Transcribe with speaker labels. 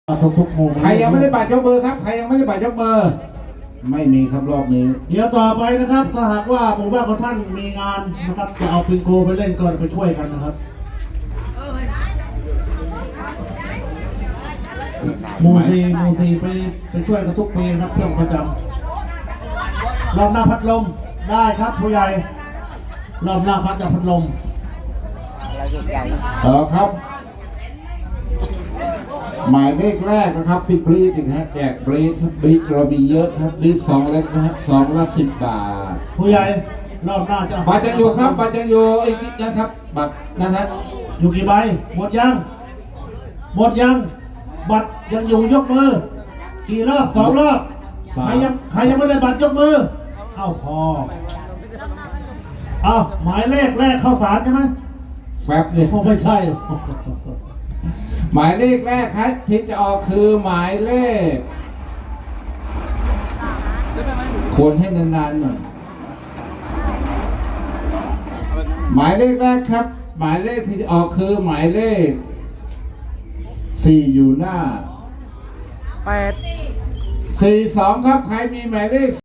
Speaker 1: ทุกมุม
Speaker 2: ใครยังไม่ได้บัตรยกมือครับใครยังไม่ได้บัตรยกมือไม่มีครับรอบนี้
Speaker 1: เดี๋ยวต่อไปนะครับถ้าหากว่าหมู่บ้านของท่านมีงานนะครับจะเอาปิงโกไปเล่นก่อนไปช่วยกันนะครับหมู่สี่ไปช่วยกันทุกปีนะครับเครื่องประจำรอบหน้าพัดลมได้ครับผู้ใหญ่รอบหน้าพัดกับพัดลม
Speaker 2: ครับหมายเลขแรกนะครับพี่บรีดนะฮะแจกบรีดครับบรีดเรามีเยอะครับบรีด2 เล็กนะฮะ2 ละ 10 บาท
Speaker 1: ผู้ใหญ่รอบหน้าจะ
Speaker 2: บัตรยังอยู่ครับบัตรยังอยู่อีกนิดนะครับบัตรนั่นฮะ
Speaker 1: อยู่กี่ใบหมดยังบัตรยังอยู่ยกมือกี่รอบ2 รอบใครยังไม่ได้บัตรยกมือเอ้าพอเอาหมายเลขแรกเข้าสารใช่ไหม
Speaker 2: แฟบเลย
Speaker 1: ไม่ใช่
Speaker 2: หมายเลขแรกครับที่จะออกคือหมายเลขควรให้นานๆหน่อยหมายเลขแรกครับหมายเลขที่จะออกคือหมายเลข4อยู่หน้า
Speaker 1: 8
Speaker 2: 42ครับใครมีหมายเลข